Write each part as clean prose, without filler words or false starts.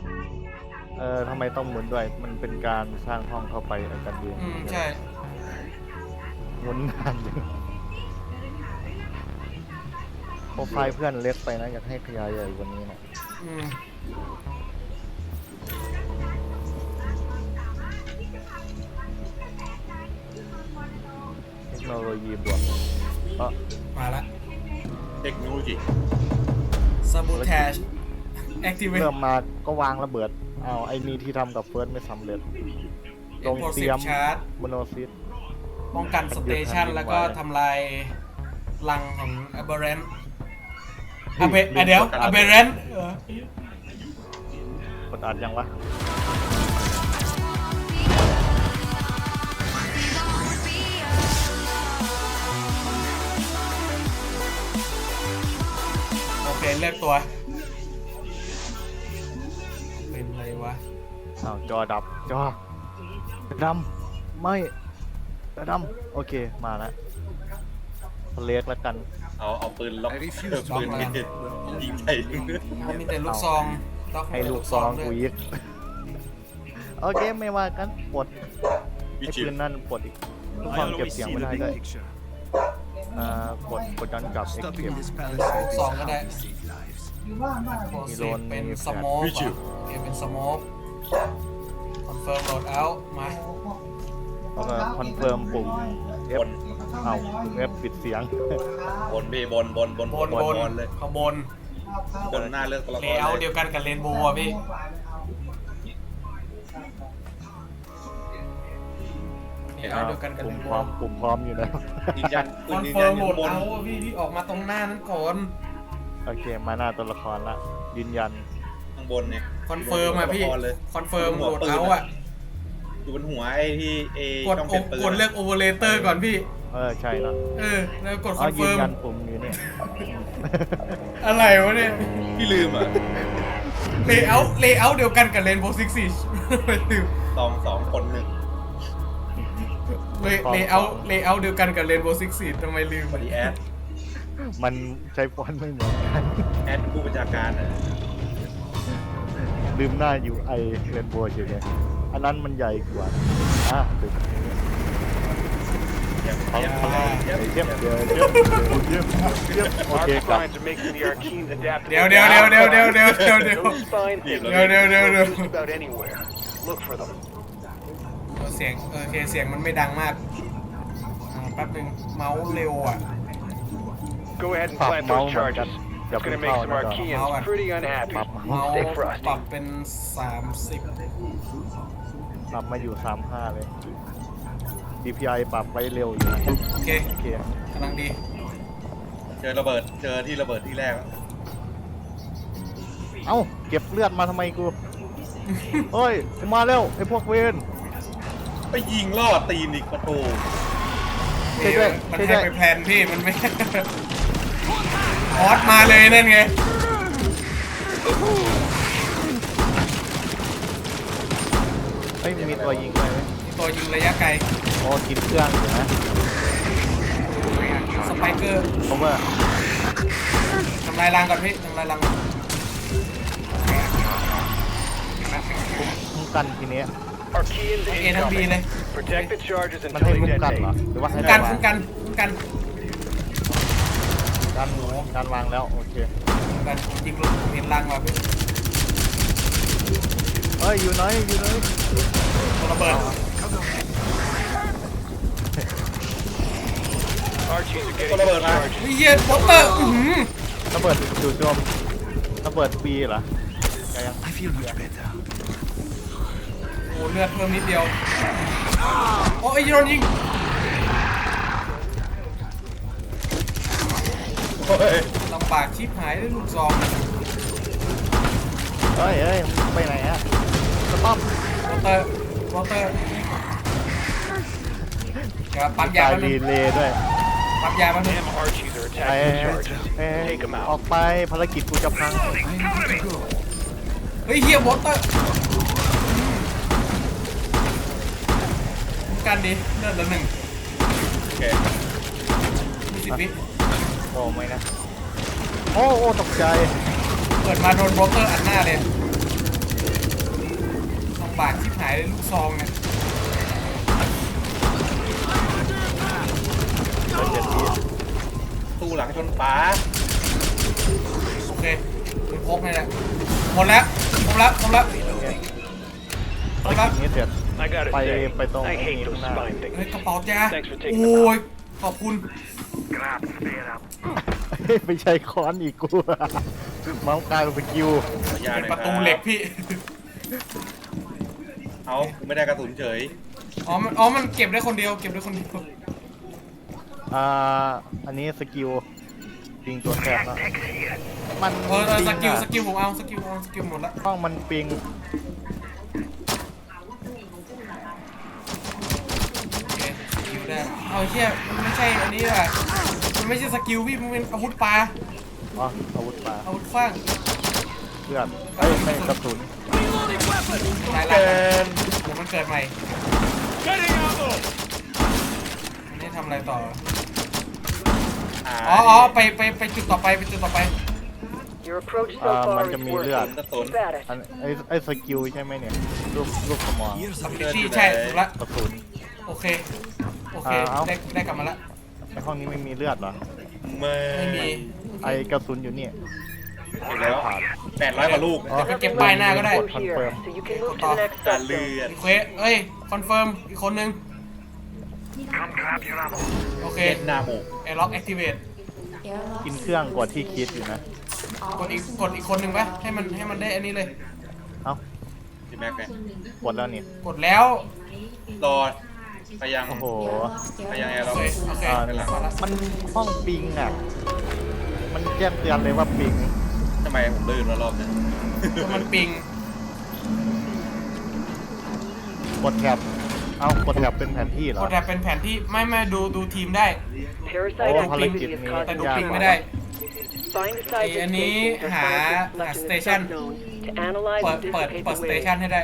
ทำไมต้องหมุนด้วยมันเป็นการสร้างห้องเข้าไปอาจารย์เดียนใช่หมุนนานอยู่โปรไฟล์เพื่อนเล็กไปนะอยากให้ขยายใหญ่กว่านี้นะเทคโนโลยีบวกมาละเทคโนโลยีซาบูแทชแอคทีเวทเริ่มมาก็วางระเบิดไอ้นี่ที่ทำกับเฟิร์สไม่สำเร็จลงเตรียมโมโนซิสป้องกันสเตชันแล้วก็ทำลายรังของอเบเรนเดี๋ยวอเบเรนกดอัดยังวะโอเคเลือกตัวเป็นอะไรวะจอดับจอดำไม่จอดำโอเคมาแล้วเล็กแล้วกันเอาปืนล็อกปืนยิงใส่เขามีแต่ลูกซองให้ลูกซองกูยิงโอเคไม่ว่ากันปลดไอ้ปืนนั่นปลดอีกลูกซองเก็บเสียงไม่ได้ด้วยกดย้อนกลับเอ็กเก็บลูกซองก็ได้มีโดนเป็นสโมกเก็บเป็นสโมกคอนเฟิร์มโหลดเอามาแล้วก็คอนเฟิร์มปุ่ม F F ปิดเสียงบนพี่บนเลยข้างบนหน้าเลือกตัวละครเลเยอร์เดียวกันกับเรนโบว์พี่เลเยอร์เดียวกันกับเรนโบว์ปุ่มพร้อมอยู่แล้วยืนยันคอนเฟิร์มโหลดเอาพี่ออกมาตรงหน้านั้นก่อนโอเคมาหน้าตัวละครละยืนยันข้างบนเนี่ยคอนเฟิร์มอ่ะพี่คอนเฟิร์มโหลดเอาอ่ะอยู่บนหัวไอ้ที่กดเลือกโอเวอร์เลเตอร์ก่อนพี่ใช่แล้วแล้วกดคอนเฟิร์มยืนยันปุ่มอยู่เนี่ยอะไรวะเนี่ยพี่ลืมอ่ะเลเยอร์เดียวกันกับเรนโบว์ซิกซี่สองคนหนึ่งเลเยอร์เดียวกันกับเรนโบว์ซิกซี่ทำไมลืมดีแอดมันใช้ฟอนต์ไม่เหมือนกันแอดผู้บัญชาการลืมหน้าอยู่ไอเรนโบว์อยู่เนี่ยอันนั้นมันใหญ่กว่าตึกนี้เยี่ยมโอเคครับเดี๋ยวเสียงโอเคเสียงมันไม่ดังมากแป๊บนึงเมาส์เร็วอ่ะ Go ahead and plant those charges. It's gonna make some Archeans pretty unhappy. Stay frosty. ปรับเป็น30 ปรับมาอยู่35เลย DPI ปรับไว้เร็วอยู่โอเคกำลังดีเจอที่ระเบิดที่แรกเก็บเลือดมาทำไมกูเฮ้ยกูมาแล้วไอ้พวกเวนไปยิงล่อตีนอีกประตูมันให้ไปแพลนพี่มันไม่ออสมาเลยนั่นไงมีตัวยิงไหมตัวยิงระยะไกลกินเครื่องอยู่นะสไปเกอร์ผมว่าทำลายรังก่อนพี่ทำลายรังคุ้มกันทีนี้ทั้งบีเลยมันให้คุ้มกันเหรอหรือว่าให้คุ้มกันการวางแล้วโอเคกันยิงลูกเห็นรังว่ะพี่อยู่ไหนตัวระเบิดมาเหี้ยโปเตอร์ระเบิดจู่โจมระเบิดปีเหรอยังโอ้เลือดเพิ่มนิดเดียวโอ้ยโดนยิงลำบากชิบหายด้วยลูกซองไปไหนอะสต๊อปวอเตอร์ปั๊มยามันรีเลย์ด้วยปั๊มยามันออกไปภารกิจกูจะพังเฮ้ยเฮียวอเตอร์กันดิเลือดละ1 โอเค 20 วิไม่นะตกใจเปิดมาโดนบล็อกเกอร์อัดหน้าเลยบากชิบหายเลยลูกซองเนี่ยตู้หลังชนฟ้าโอเคปืนพกนี่แหละหมดแล้วหมดแล้วหมดแล้วหมดแล้วนี่เสร็จ I gotta Bye, say, bye, Tom. I hate those Nah. spine เฮ้ย things. กระเป๋าจ้า Thanks for taking โอ้ย them ขอบคุณไปใช้ค้อนอีกกูเมาส์กลายเป็นสกิลขอยาเป็นหน่อยประตูเหล็กพี่เอาไม่ได้กระสุนเฉยมันเก็บได้คนเดียวเก็บได้คนเดียวอันนี้สกิลปิงตัวแทบแล้วมันสกิลอะสกิลผมเอาสกิลหมดแล้วห้องมันปิงโอเคสกิลได้เอาเชี่ยมันไม่ใช่อันนี้อ่ะมันไม่ใช่สกิลพี่มันเป็นอาวุธปลาอ๋ออาวุธปลาอาวุธขว้างเลือดเอ้ยไม่กระสุนหลายหลักกันเดี๋ยวมันเกิดใหม่อันนี้ทำอะไรต่ออ๋อไปจุดต่อไปจุดต่อไป Your approach มันจะมีเลือดกระสุน Keep at it. อันไอ้สกิลใช่ไหมเนี่ยรูปสมอง ability ใช่ถูกละกระสุนโอเคได้กลับมาละในห้องนี้ไม่มีเลือดเหรอไม่มีไอ้กระสุนอยู่นี่เห็นแล้ว800กว่าลูกอ๋อเดี๋ยวไปเก็บป้ายหน้าก็ได้กดคอนเฟิร์ม So you can move to the next การ stop เลื zone. อดรีเควสเอ้ยคอนเฟิร์มอีกคนนึงโอเคเป็นหน้าหมูแอร์ล็อกแอคทีเวตกินเครื่องกว่าที่คิดอยู่นะกดอีกคนนึงปะให้มันได้อันนี้เลยเอ้าพี่แม็กไงกดแล้วนี่กดแล้วรอไปยังโอ้โหไปยังไงโอเราเคโอเคไปหลังมาละมันห้องปิงอ่ะ มันแจ้งเตือนเลยว่าปิงทำไมผมลื่นมารอบนึงมันปิงกดแถบเอากดแถบเป็นแผนที่เหรกอดแถบเป็นแผนที่ไม่ดูทีมได้ Parasite Oh, activity halagit is ni. แต่ดู causing ปิงไม่ได้ Find the size อันนี้ stations or หา scientists left in the station subzone to analyze เปิด and เปิด dissipate ส the เต waves. ชันให้ได้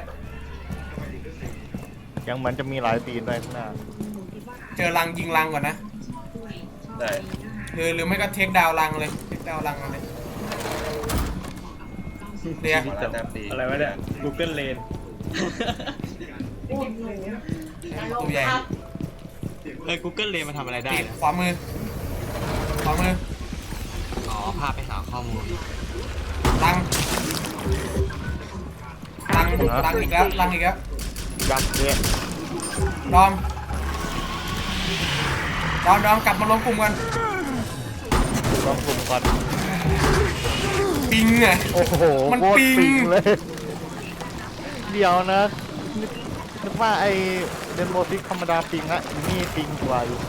ยังเหมือนจะมีหลายตีนด้วยข้างหน้าเจอรังยิงรังก่อนนะได้หรือไม่ก็เทคดาวรังเลยเทคดาวรังมาเลยเดี๋ยวมาแล้วแต้มตีอะไรวะเนี่ย Google Lane ตัวใหญ่ Google Lane มาทำอะไรได้ติดนะขวามืออ๋อ พาไปหาข้อมูลรังอีกแล้วยักษ์เนี่ยดอมกลับมารวมกลุ่มกันลองกลุ่มก่อนปิงอ่ะโอ้โหมันโคตรปิงปิงเลย เดี๋ยวนะนึกว่าไอเดนโมซิกธรรมดาปิงอะนี่ปิงกว่าอยู่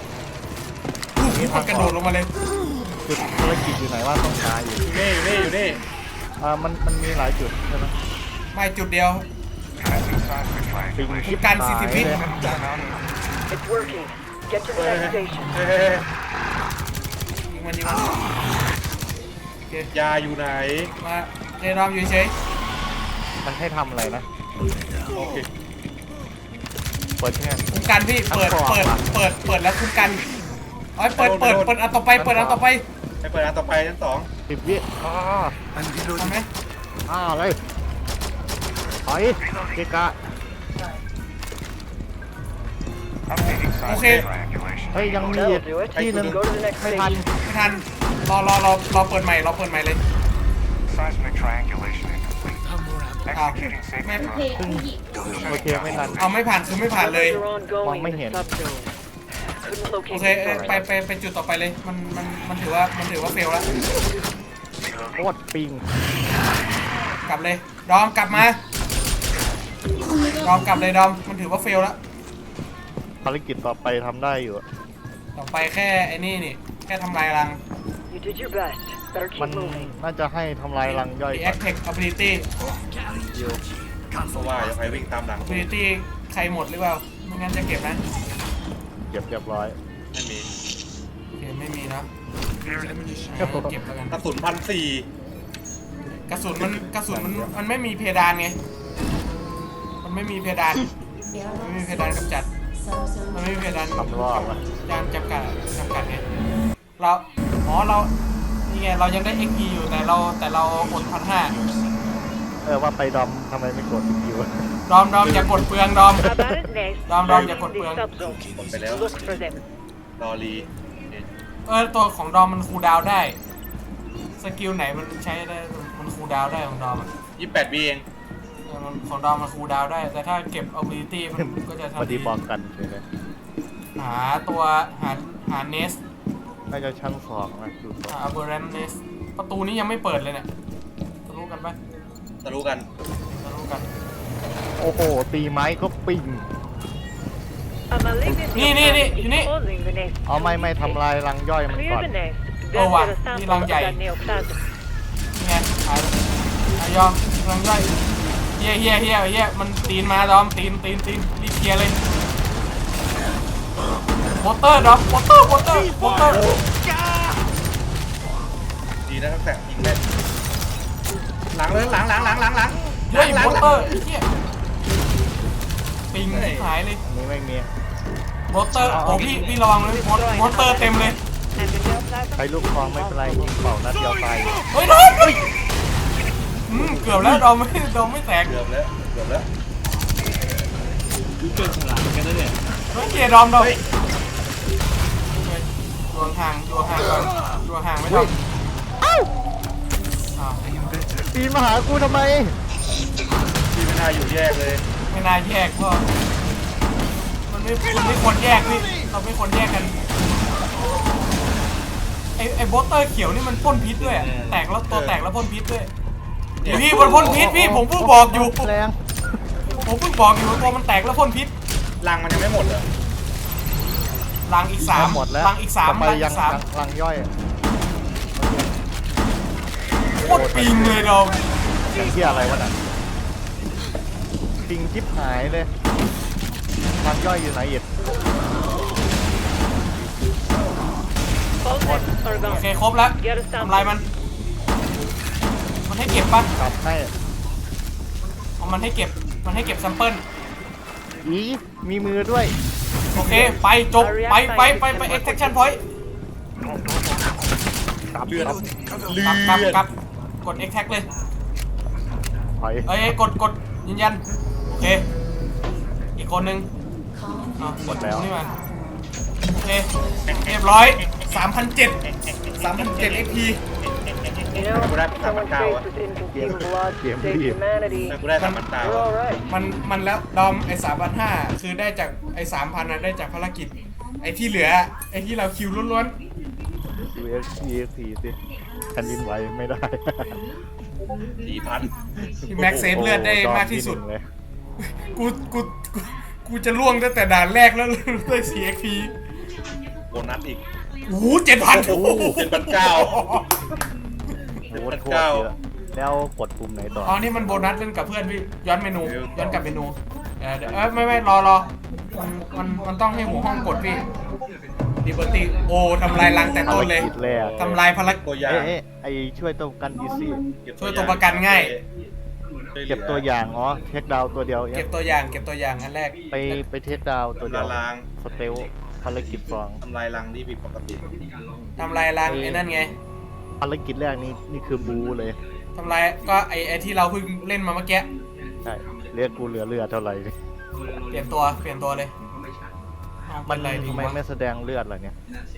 มันกระโดดลงมาเลยจุดภารกิจอยู่ไหนว่าต้องการอยู่อยู่นี่มันมีหลายจุดใช่ไหมไม่จุดเดียวปิงชิปการหาย 40วิเลย It's working. Get to the next station. ยิงมันโอเคยาอยู่ไหนมาเจดอมอยู่เฉยมันให้ทำอะไรนะโอเคเปิดใช่ไหมคุ้มกันพี่เปิดแล้วคุ้มกันเอ้ยเปิดอันต่อไปไปเปิดอันต่อไปชั้น2 10 วิอ้าทำไหมเลยถอยเกะกะโอเคเฮ้ยยังมี That'll do it. ที่หนึ่ง Go to the next ไม่ทัน station. ไม่ทันรอเปิดใหม่เลย Seismic triangulation incomplete. อ้าว Executing safety ไม่ protocol. ซึ่งโอเคไม่ทันเอาไม่ผ่านคือไม่ผ่านเลย They're ongoing in the Mong subzone. Couldn't โอ locate เค the ไป target. ไปจุดต่อไปเลยมันถือว่าเฟลแล้วโคตรปิงกลับเลยดอมกลับมาดอมกลับเลยดอมมันถือว่าเฟลแล้วภารกิจต่อไปทำได้อยู่ต่อไปแค่ไอ้นี่แค่ทำลายรัง You did your best. Better มั keep น moving. น่าจะให้ทำลายรังย่อย The ก่อน Attack Ability เพราะว่าจะไปวิ่งตามหลัง Ability ใครหมดหรือเปล่าไม่งั้นจะเก็บนะเก็บเรียบร้อยไม่มีโอเคไม่มีเนอะเก็บแล้วกันกระสุน1,400 กระสุนมันไม่มีเพดานไงมันไม่มีเพดานกำจัดมันไม่มีเพดานทำรอบอะการจำกัดไงเรานี่ไงเรายังได้ XP อยู่แต่เราอด1,500 เว่าไปดอมทำไมไม่กดอยู่ดอมอย่ากดเปลืองดอม About its nest, Dom,อย่ากด the เปลือง subzone. กดไปแล้ว Look for them. รอรีตัวของดอมมันคูลดาวน์ได้ สกิลไหนมันใช้ได้ มันคูลดาวน์ได้ของดอมอ่ะ 28วิเองมันของดอมมันคูลดาวน์ได้ แต่ถ้าเก็บ ability มันก็จะพอทำดีบอกกันใช่ไหมหาตัวหาเนสน่าจะชั้นสองนะดูต่อหา aberrant nest ประตูนี้ยังไม่เปิดเลยเนี่ยทะลุกันปะทะลุกันทะลุกันโอ้โห ตีไม้ก็ปิง A malignant Nee, nee, nee, neoplasm is nee. causing the nest. เอาไม่ทำลายรังย่อยมัน Clear ก่อน the nest. Oh, Then wow. get a sample Ilang of jay. that neoplasm. นี่ไงหายยอมกำลังย่อยเฮียมันตีนมาดอมตีนรีบเคลียร์เลยวอเตอร์ดอมวอเตอร์ดีนะทั้งแฝงยิงได้หลังเลยหลังเฮ้ยวอเตอร์เฮียปิงหายเลยอันนี้ไม่มีวอเตอร์โอ้พี่ระวังเลยวอเตอร์เต็มเลย And the neoplasm ใช้ลูกคองไม่เป็นไรยิงเป่านัดเดียวตายเฮ้ยดอมเกือบแล้วดอมไม่แตกเกือบแล้วกูเกินฉลาดกันแล้วเนี่ยเฮ้ยเกียร์ดอมอยู่ห่างก่อนอยู่ห่างไม่ดอมอ้าวปีนมาหากูทำไมพี่ไม่น่าอยู่แยกเลยไม่น่าแยกพ่อมันไม่ควรแยกพี่เราไม่ควรแยกกันไอ้บอสเตอร์เขียวนี่มันพ่นพิษด้วยอะแตกแล้วตัวแตกแล้วพ่นพิษด้วยพี่มันพ่นพิษพี่ผมเพิ่งบอกอยู่แรงตัวมันแตกแล้วพ่นพิษรังมันยังไม่หมดเหรอลังอีกสามหมดแล้วลังอีกสามต่อไปลังยัอีงกสามรังย่อยโคตรปิงเลยดอมอย่างที่อะไรวะน่ะปิงจิ๊บหายเลยรังย่อยอยู่ไหนอีก all nests are โอเค gone. ครบแล้ว Get a ทำลาย sample. มันให้เก็บปะกลับให้เอามันให้เก็บแซมเปิลอีมีมือด้วยโอเคไปจบไป extraction point เลือดกลับกด extract เลยถอยเอ้ยกดยืนยันโอเคอีกคนนึงกดแล้วนี่มาโอเคเรียบร้อย 3,700 XP You know, someone faced with inconceivable odds to save humanity. แต่กูได้3,000 We're all right. มันแล้วดอมไอ้3,500คือได้จากไอ้ 3,000นะได้จากภารกิจไอ้ที่เหลือไอ้ที่เราคิวล้วน USC สิแผ่นดินไหวไม่ได้ 4,000 ที่แม็กเซฟเลือดได้มากที่สุดโอ้ดอมเลยกูจะล่วงตั้งแต่ด่านแรกแล้วได้ 4XP โบนัสอีกโอ้โห7,000 โอ้โห7,900 โอ้โหโคตรเยอะแล้วกดปุ่มไหนต่ออ๋อนี่มันโบนัสเล่นกับเพื่อนพี่ย้อนเมนูย้อนกลับเมนูเดี๋ยวไม่รอมันต้องให้หัวห้องกดพี่ดิเบอร์ตี้โอ้ทำลายรังแต่ต้นเลยภารกิจแรกทำลายภารกิจตัวอย่างไอช่วยตัวกันอีซี่ช่วยตัวประกันง่ายเก็บตัวอย่างอ๋อเทคดาวตัวเดียวเก็บตัวอย่างอันแรกไปเทคดาวตัวเดียวลางสเตลภารกิจสองทำลายรังที่ผิดปกติทำลายรังไอ้นั่นไงภารกิจแรกนี่คือบูเลยทำลายก็ไอ้ที่เราเพิ่งเล่นมาเมื่อกี้ใช่เรียกกูเหลือเลือดเท่าไหร่เปลี่ยนตัวเลยมัมัน นอะไรดีทำไมวะไม่แสดงเลือดล่ะเนี่ย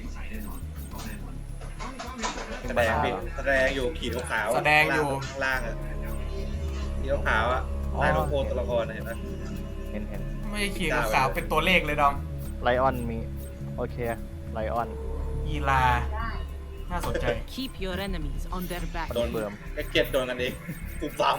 แสดงพี่แสดงอยู่ขีดขาวๆแสดงอยู่ข้างล่างอ่ะขีดขาวๆอ่ะใต้ลูกโพตัวละครเห็นไหมเห็นไม่ใช่ขีดขาวๆเป็นตัวเลขเลยดอมไลออนมีโอเคไลออนอีลาน่าสนใจ Keep your enemies on their back. โดนไอ้เก็ตโดนกันเองกูปั๊ม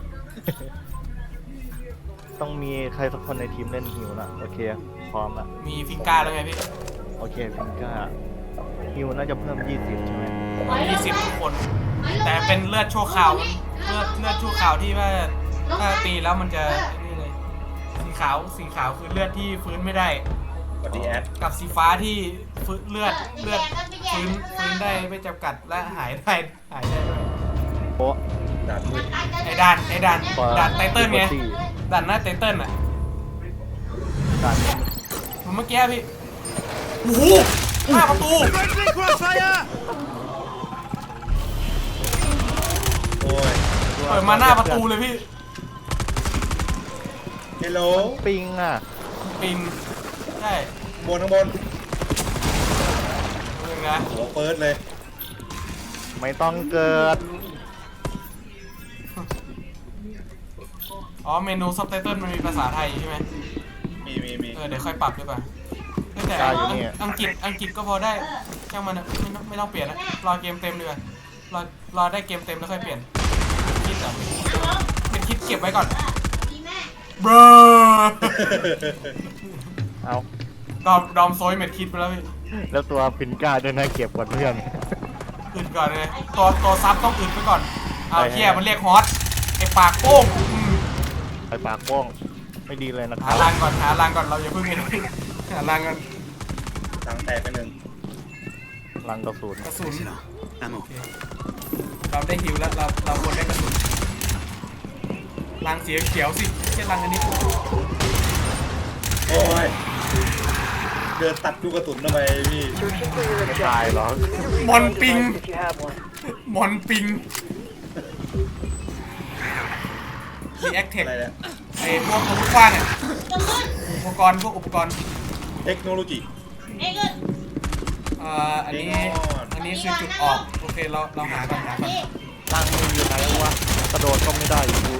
ต้องมีใครสักคนในทีมเล่นฮิวนะโอเคพร้อมละมีฟิงก้าแล้วไงพี่โอเคพิงก้าฮิวน่าจะเพิ่ม20ใช่ไหม 20 ทุกคน แต่เป็นเลือดชั่วคราวเลือดชั่วคราวที่ว่าถ้าตีแล้วมันจะนี่เลยสีขาวคือเลือดที่ฟื้นไม่ได้สวัสดีแอดกับสีฟ้าที่ฟื้นเลือดฟื้นได้ไม่จำกัดและหายได้ด้วยโป๊ะด่านมืดไอ้ด่านไตเติ้ลไงด่านหน้าไตเติ้ลอ่ะด่านเมื่อกี้พี่โอ้โหหน้าประตูโอ้ยด้วยเปิดมาหน้าประตูเลยพี่เฮลโหลปิงอ่ะปิงใช่บนข้างบนเรื่องนะหัวเปิดเลยไม่ต้องเกิดอ๋อเมนูซับไตเติลมันมีภาษาไทยใช่ไหมมีเดี๋ยวค่อยปรับดีกว่าแต่ได้อยู่นี่อังกฤษก็พอได้ช่างมันอะไม่ต้องเปลี่ยนนะรอเกมเต็มดีกว่ารอได้เกมเต็มแล้วค่อยเปลี่ยนคิดอ่ะเป็นคิดเก็บไว้ก่อนเบรอเอาดอมโซยเม็ดคิดไปแล้วพี่แล้วตัวพินก้าด้วยนะเก็บก่อนเพื่อนอึดก่อนเลยตัวซับต้องอึดไปก่อนเอาใช่เฮียมันเรียกฮอตไอปากโป้งไปปากโป้งไม่ดีเลยนะคหารับรางก่อนเราอย่าเพิ่งไปหารางก่อนตังแตกไปหนึ่งลังกระสุนกระสุนโอเคเราได้ฮิวแล้วเราควรได้กระสุนรางสีเขียวสิไม่ใช่รางอันนี้โอ้ยเดินตัดลูกกระสุนทำไมพี่ไม่ตายหรอกมอนปิงมอนปิงรีแอคเทคอะไรเนี่ยไอ้พวกอาวุธกว้างเนี่ยอุปกรณ์เทคโนโลยีอันนี้คือจุดออกโอเคเราหาก่อนลังมืออยู่ไหนวะกระโดดก็ไม่ได้อยู่ดู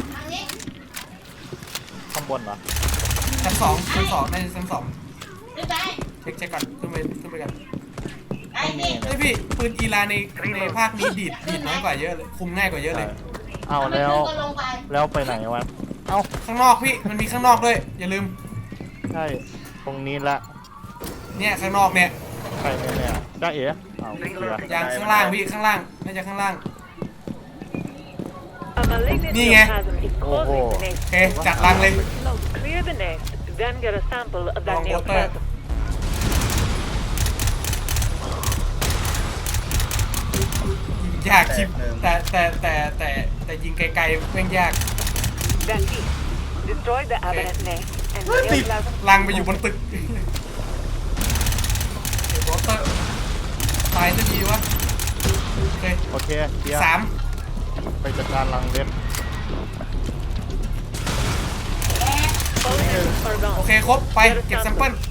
ข้างบนเหรอชั้นสองน่าจะชั้นสองเช็คก่อนขึ้นไปกันไอ้พี่ปืนอีลาในภาคนี้ดีดน้อยกว่าเยอะเลยคุมง่ายกว่าเยอะเลยเอาแล้วไปไหนวะเอาข้างนอกพี่มันมีข้างนอกด้วยอย่าลืมใช่ตรงนี้ละเนี่ยข้างนอกเนี่ยใครเนี่ยจ้าเอ๋เอาเสือยางข้างล่างพี่ข้างล่างน่าจะข้างล่าง A malignant Ni nghe. neoplasm is Ồ. causing the nest. โอเคจัดรังเลย Now clear the nest, then get a sample of that Wrong water. neoplasm. ยากคิดแต่ยิงไกลๆแม่งยาก That's it. Destroy the aberrant nest and the neoplasm. รังไปอยู่บนตึกโรเตอร์ตายสักทีวะโอเคโอเคเดี๋ยว 3 ไปจัดการลังเล็ก All nests are โอ gone. เคครบไปเก็บแซมเปิล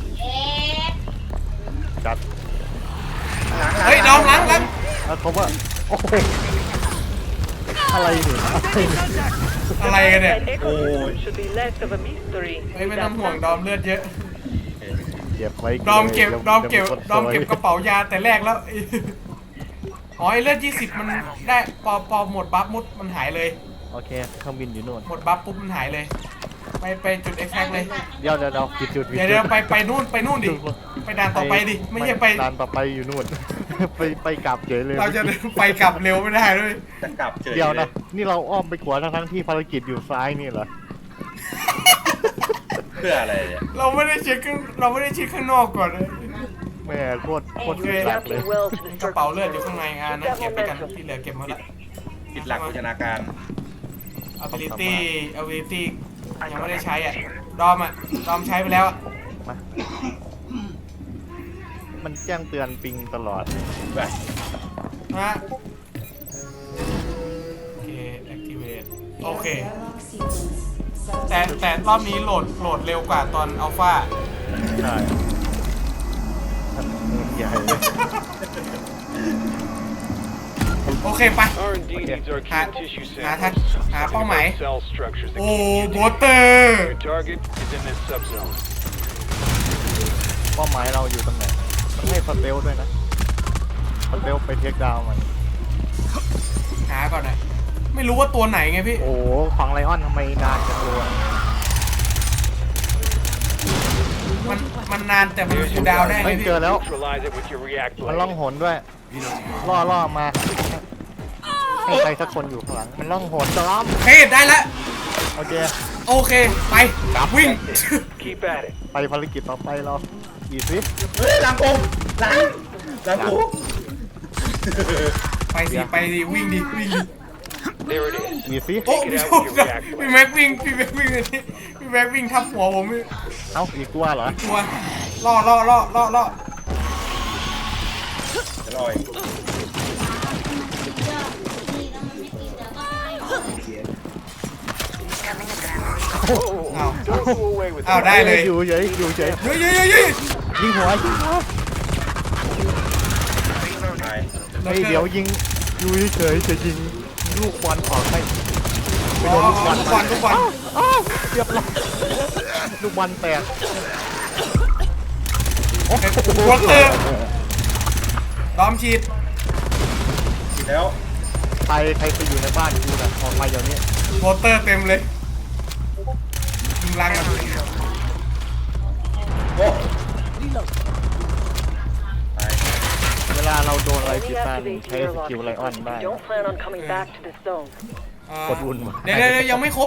จัดเฮ้ยดอมล้างแล้วเขาว่าโอ้โหอะไรเนี่ยอะไรกันเนี่ย That ecosystem should be less of a mystery. เฮ้ยไม่ต้องห่วงดอมเลือดเยอะเก็บไว้ดอมเก็บดี๋ยวกระเป๋ายาแต่แรกแล้วอ๋อไอ้เลือด20มันได้พอหมดบัฟมุดมันหายเลยโอเคเครื่องบินอยู่นู่นหมดบัฟปุ๊บมันหายเลยไปจุดเอ็กแซกเลยเดี๋ยวผิดจุดเดี๋ยวไปนู่นดิไปด่านต่อไปดิไม่ใช่ไปด่านต่อไปอยู่นู่น ไปกลับเฉยเลยเราจะไปกลับเร็วไม่ได้ด้วยจะกลับเฉยเดี๋ยวนะนี่เราอ้อมไปขวาทั้งที่ภารกิจอยู่ซ้ายนี่เหรอเพื่ออะไรเนี่ยเราไม่ได้เช็คข้างนอกก่อนเลยแม่โคตร And สุด you're หลักเลย adapting well to the กระเป๋าเลือด circumstances. อยู่ข้างในนะเก็บไปกันที่เหลือเก็บหมดละผิดหลักโภชนาการ ability ยังไม่ได้ใช้อ่ะดอมใช้ไปแล้วอะมามันแจ้งเตือนปิงตลอดแบบนะโอเค activate โอเคแต่รอบนี้โหลดเร็วกว่าตอนอัลฟาใช่ใหญ่เลยโอเคไป R&D needs our key tissue หาเป้าหมาย cell structures. โอ้โบเตอร์ Your target is in this subzone. เป้าหมายเราอยู่ตรงไหนต้องให้สเตลด้วยนะสเตลไปเทคดาวน์มันหาก่อนนะไม่รู้ว่าตัวไหนไงพี่โอ้โหของไลออนทำไมนานจังเลยมันนานแต่มันคูลดาวน์ได้ไงไม่พี่เจอแล้ว Neutralize it with your react มัน blade. ล่องหนด้วยล่อมาให้ใครสักคนอยู่ข้างหลังมันล่องหนจอมเฮ้ยได้แล้วโอเคโอเคไปวิ่ง Keep at it. ไปภารกิจต่อไปเราอีกสิเฮ้ยหลังผมหลังผมไปดิวิ่งดิ There it is. อีกสิโอ้พี่แม็กวิ่งพี่แม็กวิ่งทับหัวผมเอ้าอีกตัวเหรอตัวล่อจะลอยอ้าว Don't go away with อ้าว ได้เลยอยู่เฉยอยู่เฉยเฮ้ยๆยิงหัวยิงหัวตายๆเฮ้ยเดี๋ยวยิงอยู่เฉยจะยิงลูกบอลออกให้ไปโดนลูกบอลลูกบอลอ้าวเรียบร้อยลูกบอลแตกวอเตอร์ดอมฉีดผิดแล้วใครไปอยู่ในบ้านกูนะออกมาเดี๋ยวนี้วอเตอร์เต็มเลยยิงลังกันโอ้ตายเวลาเราโดนอะไร Only ผิดพลาด activate ใช้ your สกิลไลออนได้ Don't plan on coming back to this zone. กดอุ่นมาเดี๋ยวยังไม่ครบ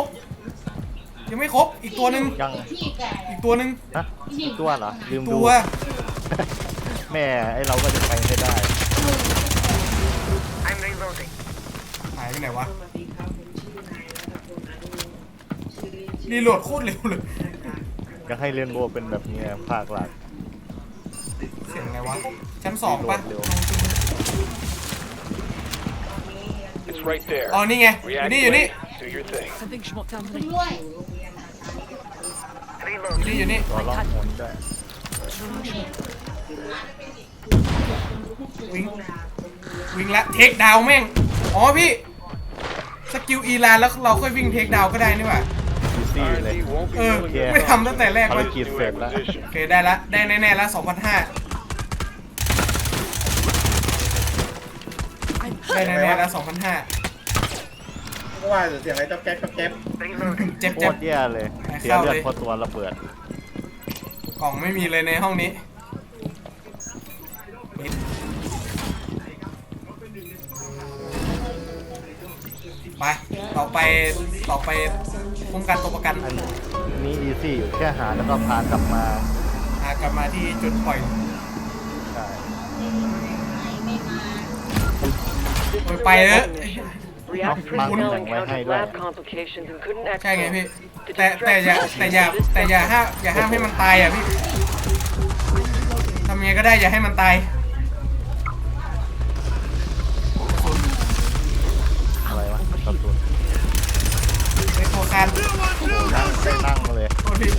อีกตัวหนึ่งยังอีกตัวหนึ่งฮะตัวเหรอลืมดูตัวแม่ไอเราก็จะไปให้ได้ I'm reloading. หายไปไหนวะรีโหลดโคตรเร็วเลยจะให้เรียนโบว์เป็นแบบนี้ภาคหลักเสียงอะไรวะชั้น2ป่ะเร็ว It's right there. อ๋อนี่ไง React อยู่นี่ do your thing. Something schmuck down the อยู่นี่ตัวล่องหนได้วิ่งละเทคดาวแม่งอ๋อพี่สกิลอีลานแล้วเราค่อยวิ่งเทคดาวก็ได้นี่หว่าอีซี่เลย R&D won't be เออ doing ไม่ทำตั้งแต่แรกภารเลยกิจเสร็จแล้ว acquisition. โอเคได้ละได้แน่ๆแล้ว2,500ได้แน่ๆแล้ว2,500 ก็ว่าเสียงอะไรจ๊อบแก๊บจ๊อบแก๊บเจ็บโคเจ็บตรแย่เลย เสียเลือดเพราะตัวระเบิดกล่องไม่มีเลยในห้องนี้ปิดไปต่อไปคุ้มกันตัวประกันอันนี้อีซี่อยู่แค่หาแล้วก็พากลับมากลับมาที่จุดปล่อยได้ไปเถอะ React Mang personnel thằng ngoài hay encountered đó. lab complications and couldn't ใช่ไง exit. พี่แต่อย่าห้ามให้มันตายอ่ะพี่ทำยังไงก็ได้อย่าให้มันตายอะไรวะกระสุนไอ้โคคานนั่งได้นั่งมาเลยโทษพี่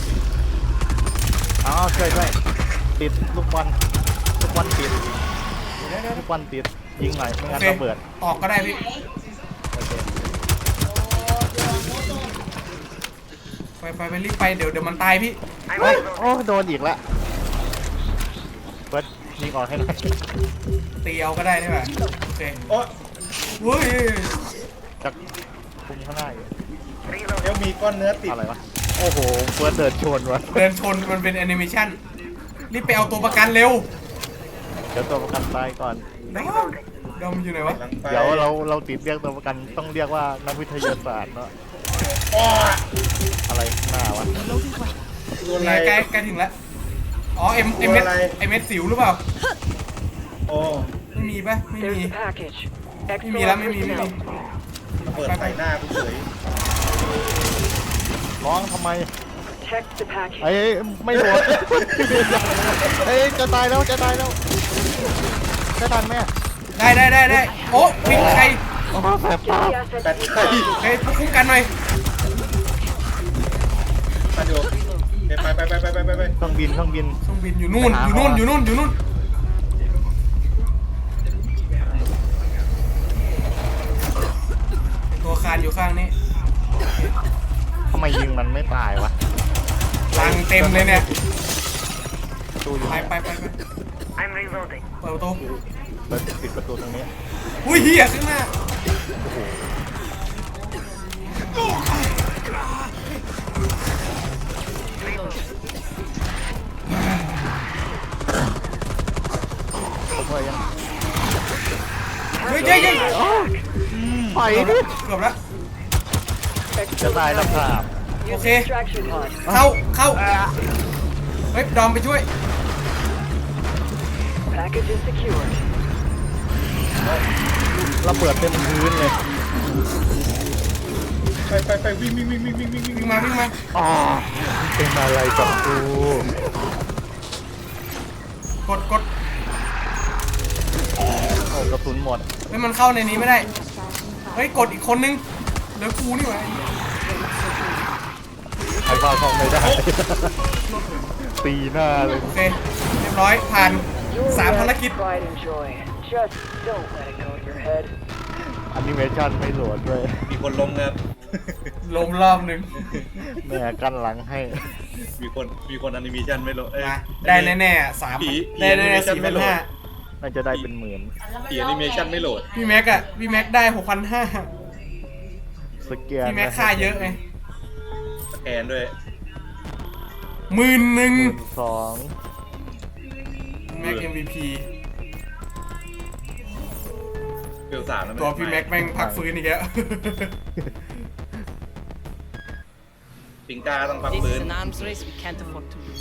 อ้าวช่วยด้วยติดลูกบอลติดลูกบอลติดยิงหน่อยไม่โองั้นเคระเบิดออกก็ได้พี่โอเคไปรีบไปเดี๋ยวมันตายพี่โอ้ยโอ้โดนอีกแล้วเฟิร์สยิงออกให้หน่อยตีเอาก็ได้ใช่ไหมโอเคโอ้เฮ้ยจะคุมข้างหน้าอยู่เดี๋ยวมีก้อนเนื้อติดอะไรวะโอ้โหเฟิร์สเดินชนวะเดินชนมันเป็นแอนิเมชันรีบไปเอาตัวประกันเร็วเดี๋ยวตัวประกันตายก่อนดอมอยู่ไหนวะหลังไปเดี๋ยวเราติดเรียกตัวประกันต้องเรียกว่านักวิทยาศาสตร์เนาะอ้ออะไรข้างหน้าวะโดนอะไรใกล้ถึงแล้วอ๋อเอ็มตัวเม็ดอะไรสิวหรือเปล่าโอ้ไม่มีปะไม่ There's มี the package. ไม่มีแล้วไม่มี Excellent personnel. ระเบิดใส่หน้ากูเฉยร้องทำไม Protect the package. ไอ้ไม่โดนเอ้ยจะตายแล้วจะทันไหมได้โอ้วิ่งใครโอ้แสบ Get ตา the asset แบต to ไข่เฮ้ยคุ้มกันหน่อยมาดูไปเครื่องบินเครื่องบินอยู่นู่นตัวคานอยู่ข้างนี้ทำไมยิงมันไม่ตายวะลังเต็มเลยเนี่ยตู้อยู่ไป I'm reloading. เปิดประตูเปิดปิดประตูตรงนี้อุ้ยเหี้ยข้างหน้าเฮ้ยเย้ไปดิเกือบแล้วจะตายแล้วครับ Use Okay. the extraction pod. เข้าเฮ้ยดอมไปช่วย Package is secured. ระเบิดเต็มพื้นเลยไปวิ่งวิ่งมาอ๋อเป็นอะไรกับกูกดโอ้กระสุนหมดเฮ้ยมันเข้าในนี้ไม่ได้เฮ้ยกดอีกคนนึงเหลือกูนี่หว่าว่าเข้าไม่ได้ ตีหน้าเลยโอเค เรียบร้อยผ่าน 3 ภารกิจ Pride and joy. Just don't let it go in your head. แอนิเมชันไม่โหลดด้วยมีคนล้มครับล้มรอบหนึ่งแม่กันหลังให้มีคนแอนิเมชันไม่โหลดเอ้ยมาได้แน่ๆ3 ผีได้แน่ๆผีไม่โหลด 4,500 น่าจะได้เป็นหมื่นผีแอนิเมชันไม่โหลดพี่แม็กอะพี่แม็กได้ 6,500 สแกนพี่แม็กค่าเยอะไงสแกนด้วยหมื่นหนึ่ง 12,000 แม็ก MVP เฟล3แล้วตัวพี่แม็กแม่งพักฟื้นอีกแล้วปิงกาต้องพัก This ฟื้ is น an arms race we can't afford to lose.